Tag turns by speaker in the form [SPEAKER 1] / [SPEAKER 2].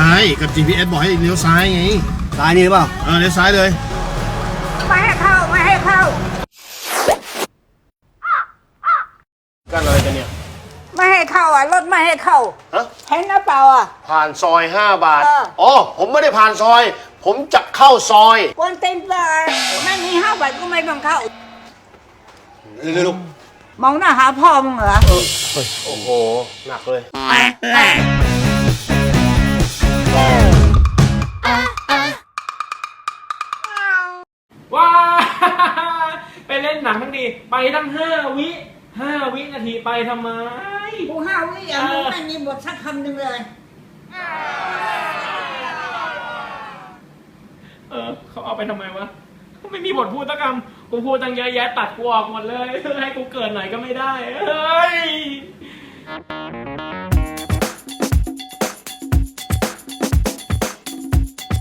[SPEAKER 1] ายกับ GPS บอกให้เลี้ยวซ้ายไง
[SPEAKER 2] ซ้ายนี่หรือเปล่า
[SPEAKER 1] เลี้ยวซ้ายเลย
[SPEAKER 3] ไม่ให้เข้าไม่ให้เข้า
[SPEAKER 1] กันอะไรกันเนี่ย
[SPEAKER 3] ไม่ให้เข้าอ่ะรถไม่ให้เข้า
[SPEAKER 1] ฮะ
[SPEAKER 3] เห็นหรือเปล่าอ่ะ
[SPEAKER 1] ผ่านซอย5 บาท
[SPEAKER 3] เออ
[SPEAKER 1] อ๋อผมไม่ได้ผ่านซอย ผมจะเข้าซอย
[SPEAKER 3] กวนเต็มเลยไม่มี5 บาทก็ไม่ต้องเข้า
[SPEAKER 1] เร็ว
[SPEAKER 3] มองหน้าหาพ่อมึงเหรอ
[SPEAKER 1] โอ้โหหนักเลย
[SPEAKER 4] ว้า ไปเล่นหนังทั้งดีไปตั้ง5 วินาทีไปทำไม
[SPEAKER 3] กู5 วิอ่ะมึงไม่มีบทสักคำหนึ่งเลย
[SPEAKER 4] เขาเอาไปทำไมวะไม่มีบทพูดสักคำกูพูดตั้งเยอะแยะตัดกูออกหมดเลยให้กูเกิดหน่อยก็ไม่ได้เฮ้ย